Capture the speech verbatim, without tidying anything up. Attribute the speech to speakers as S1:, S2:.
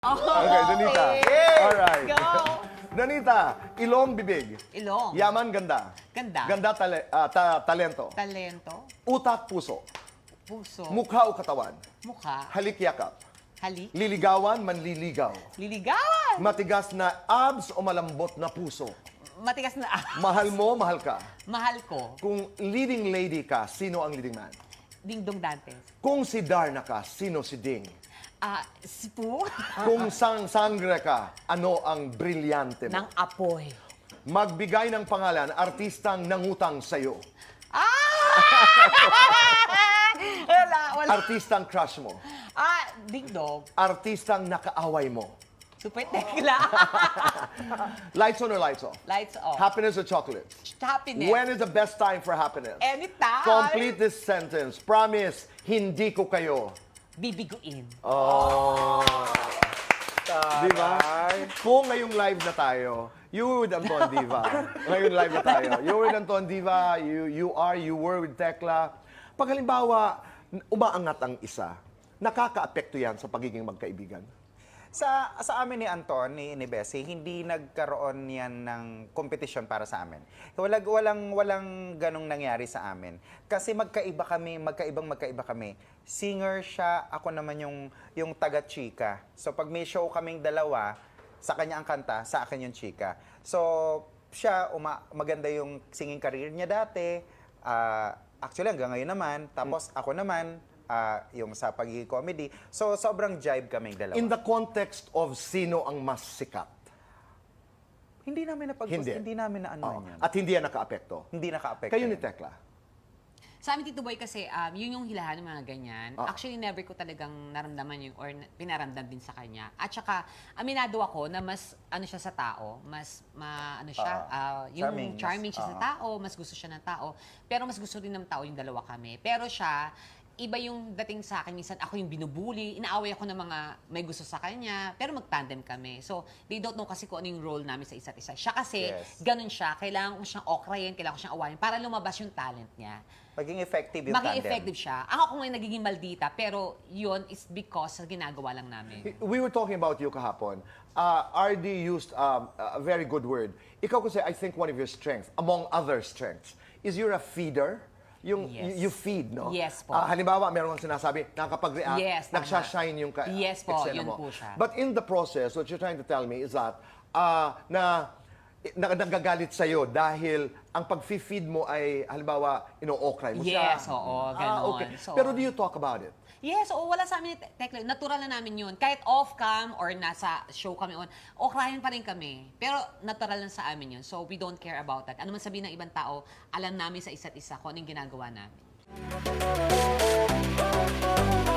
S1: Okay, Donita.
S2: Yay!
S1: Alright.
S2: Go!
S1: Donita, ilong, bibig.
S2: Ilong.
S1: Yaman, ganda.
S2: Ganda.
S1: Ganda, tale- ah, ta- talento.
S2: Talento.
S1: Utak, puso.
S2: Puso.
S1: Mukha o katawan.
S2: Mukha.
S1: Halik, yakap.
S2: Halik.
S1: Liligawan, manliligaw.
S2: Liligawan.
S1: Matigas na abs o malambot na puso.
S2: Matigas na ah.
S1: Mahal mo, mahal ka.
S2: Mahal ko.
S1: Kung leading lady ka, sino ang leading man?
S2: Dingdong Dantes.
S1: Kung si Darna ka, sino si Ding?
S2: Ah, sipu.
S1: Kung sang sangre ka, ano ang brilyante mo?
S2: Ng apoy.
S1: Magbigay ng pangalan, artistang nangutang sa'yo.
S2: Ah! wala, wala.
S1: Artistang crush mo.
S2: Ah, dingdong.
S1: Artistang nakaaway mo.
S2: Super tekla.
S1: Lights on or lights off?
S2: Lights off.
S1: Happiness or chocolate?
S2: Happiness.
S1: When is the best time for happiness?
S2: Anytime.
S1: Complete this sentence. Promise, hindi ko kayo.
S2: Bibiguin.
S1: Oh. Di ba? Kung ngayong live na tayo, you were with Anton Diva. Ngayong live na tayo. You were with Anton Diva, you, you are, you were with Tekla. Pag halimbawa, umaangat ang isa, nakaka-apekto yan sa pagiging magkaibigan.
S3: Sa sa amin ni Anton, ni, ni Bessie, hindi nagkaroon yan ng kompetisyon para sa amin. Walang, walang, walang ganong nangyari sa amin. Kasi magkaiba kami, magkaibang magkaiba kami. Singer siya, ako naman yung, yung taga-chika. So pag may show kaming dalawa, sa kanya ang kanta, sa akin yung chika. So siya, uma, maganda yung singing career niya dati. Ah, actually, hanggang ngayon naman. Tapos ako naman, Ah, yung sa pagiging comedy. So, sobrang jive kaming dalawa.
S1: In the context of sino ang mas sikat.
S3: hindi namin napag
S1: Hindi.
S3: hindi. namin na ano
S1: Oo.
S3: yan.
S1: At hindi yan naka-apekto.
S3: Hindi naka-apekto.
S1: Kayo ni
S3: yan.
S1: Tekla.
S2: Sa amin, Tito Boy, kasi um, yun yung hilahan ng mga ganyan.
S1: Ah.
S2: Actually, never ko talagang naramdaman yung or na- pinaramdam din sa kanya. At saka, aminado ako na mas, ano siya sa tao, mas, ma, ano siya,
S3: Ah,
S2: ah, yung
S3: charming,
S2: charming,
S3: mas-
S2: siya sa
S3: ah.
S2: tao, mas gusto siya ng tao. Pero mas gusto rin ng tao yung dalawa kami. Pero siya, iba yung dating sa akin. Minsan ako yung binubuli, inaaway ako ng mga may gusto sa kanya, pero mag-tandem kami. So, they don't know kasi kung ano yung role namin sa isa't isa. Siya kasi,
S3: Yes.
S2: ganun siya. Kailangan ko siyang okrayin, kailangan ko siyang awayin para lumabas yung talent niya.
S3: Maging effective yung
S2: Maging
S3: tandem.
S2: effective siya. Ako ako ngayon nagiging maldita, pero yun is because sa ginagawa lang namin.
S1: We were talking about you kahapon. Uh, R D used um, a very good word. Ikaw kasi, I think one of your strengths, among other strengths, is you're a feeder. Yung
S2: Yes.
S1: you, you feed, no?
S2: Yes po.
S1: Ah, halimbawa, meron kang sinasabi, nakakapag-react,
S2: Yes, tama.
S1: nagsashine yung ka-
S2: Yes po,
S1: eksena
S2: yun
S1: mo.
S2: po siya.
S1: But in the process, what you're trying to tell me is that uh, na, na nagagalit sa'yo dahil ang pag-feed mo ay, halimbawa, ino-okray mo siya.
S2: Yes, oo,
S1: Ah,
S2: ganon.
S1: okay.
S2: So-
S1: Pero do you talk about it?
S2: Yes, oo, wala sa amin, ni Tekla. Natural na namin yun. Kahit off-cam or nasa show kami on, okrayan pa rin kami. Pero natural lang sa amin yun. So, we don't care about that. Ano man sabihin ng ibang tao, alam namin sa isa't isa kung anong ginagawa namin.